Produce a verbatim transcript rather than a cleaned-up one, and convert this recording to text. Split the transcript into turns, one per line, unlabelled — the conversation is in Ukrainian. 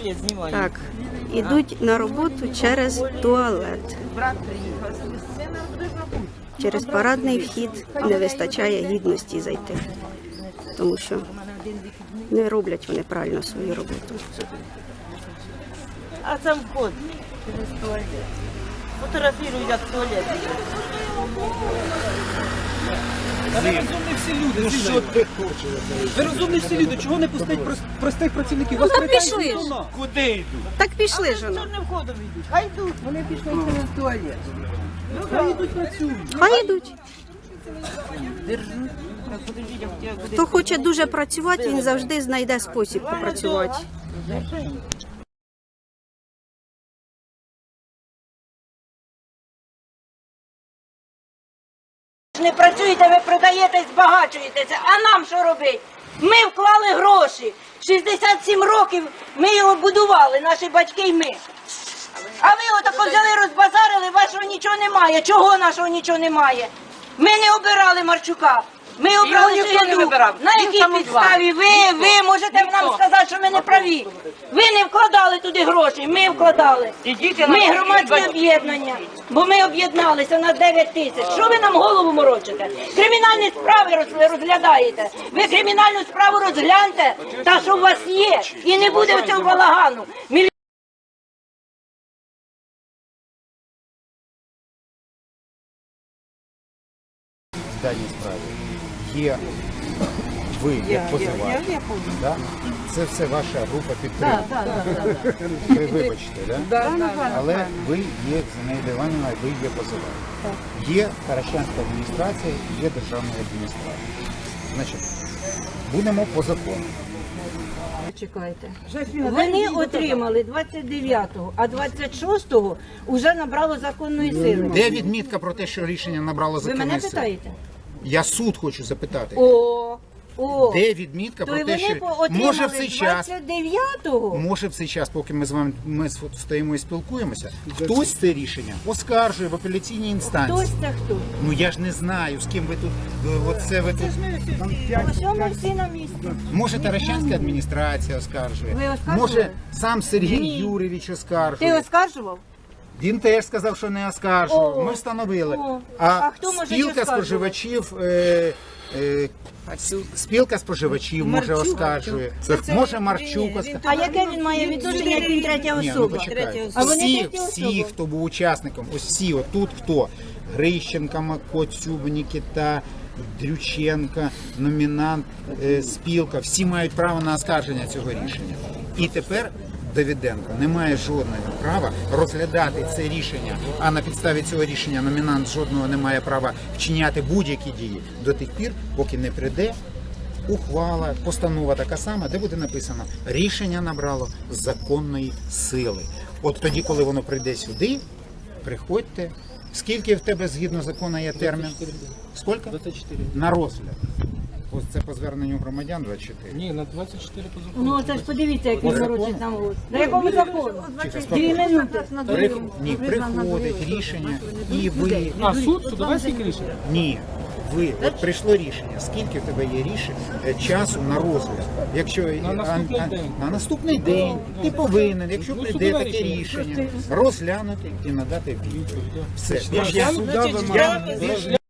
туалет знімаю.
Так, ідуть на роботу через туалет.
Брат приїхав.
Через парадний вхід не вистачає гідності зайти, тому що не роблять вони правильно свою роботу.
А там вход через туалет. Фотографірують, як туалет.
Ви розумні всі люди. Ну, що ти хочеш? Ви розумні всі люди. Чого не пустить прос- простих працівників? Вас
Ну,
претензій
пішли ж.
до нас.
Куди йдуть?
Так пішли ж воно.
Чорним входом йдуть. Хай йдуть. Вони пішли через туалет.
Хай йдуть працюють.
Хай йдуть.
Держу. Так, подождіть, я хотіла кудись.
Хто хоче дуже працювати, він завжди знайде спосіб попрацювати.
Не працюєте, ви продаєтесь, збагачуєтеся. А нам що робити? Ми вклали гроші. шістдесят сім років ми його будували, наші батьки і ми. А ви отако взяли, розбазарили, вашого нічого немає. Чого нашого нічого немає? Ми не обирали Марчука. Ми обрали
ніхто не
Сигаду.
вибирав.
На
Він
якій
самозванець.
підставі? Ви, ви можете нам сказати, що ми не праві. Ви не вкладали туди гроші, ми вкладали.
Ідіть на
Ми
роботу,
громадське
ідіть.
об'єднання, бо ми об'єдналися на дев'ять тисяч. Що ви нам голову морочите? Кримінальні справи роз- розглядаєте. Ви кримінальну справу розгляньте, та що у вас є, і не буде цього балагану. Міль-
в даній справі є ви як позивач. Да? Це все ваша група підтримки. Ви вибачте, да? але ви є Зінаїда Іванівна, ви є позивач. Є Таращанська адміністрація, є державна адміністрація. Значить, будемо по закону.
Чекайте. Вони отримали двадцять дев'ятого, а двадцять шостого вже набрало законної сили.
Де відмітка про те, що рішення набрало
Ви
законної
мене
сили?
питаєте?
Я суд хочу запитати.
О, о.
Де відмітка
То
про
й
те,
вони
що
отримали
може в цей час
двадцять дев'ятого.
Може в цей час, поки ми з вами ми стоїмо і спілкуємося, хтось це рішення оскаржує в апеляційній
Хтось
інстанції.
це хто?
Ну я ж не знаю, з ким ви тут, е, оце ви тут.
Ось ми всі на місці.
Може Таращанська адміністрація оскаржує,
Ви оскаржували?
може сам Сергій
Ні.
Юрійович
Ти
оскаржує.
оскаржував?
Він теж сказав, що не оскаржував.
О,
Ми встановили.
о.
А,
А хто може
спілка
оскаржувати?
споживачів. Е, е, Спілка споживачів може оскаржує. Може Марчук оскаржує.
А яке він має відношення, як він третя
Ні, ну
особа?
почекайте.
А вони
Всі,
треті
всі,
особи.
хто був учасником, ось всі, отут хто? Грищенка, Макоцюб, Нікіта, Дрюченка, номінант, е, спілка, всі мають право на оскарження цього рішення. І тепер Давиденко не має жодного права розглядати це рішення, а на підставі цього рішення номінант жодного не має права вчиняти будь-які дії до тих пір, поки не прийде ухвала, постанова така сама, де буде написано «Рішення набрало законної сили». От тоді, коли воно прийде сюди, приходьте. Скільки в тебе згідно закону є термін? Скільки?
двадцять чотири.
На розгляд. Ось це по зверненню громадян двадцять чотири.
Ні, на двадцять чотири по закону.
Ну, це ж подивіться, як він
По закону?
морочить нам голос. На якому закону?
Тихо,
Дві
спокійно.
минути.
Ні, приходить рішення, і ви...
А, суд? Судове скільки рішення?
Ні, ви, от прийшло рішення, скільки в тебе є рішень, е, часу на розгляд. Якщо
На наступний
а- а-
день.
на наступний день ти повинен, якщо
Ну,
прийде
судове
таке
рішення.
рішення, розглянути і надати відповідь. Все.
Я-
Більше я-
я-
я-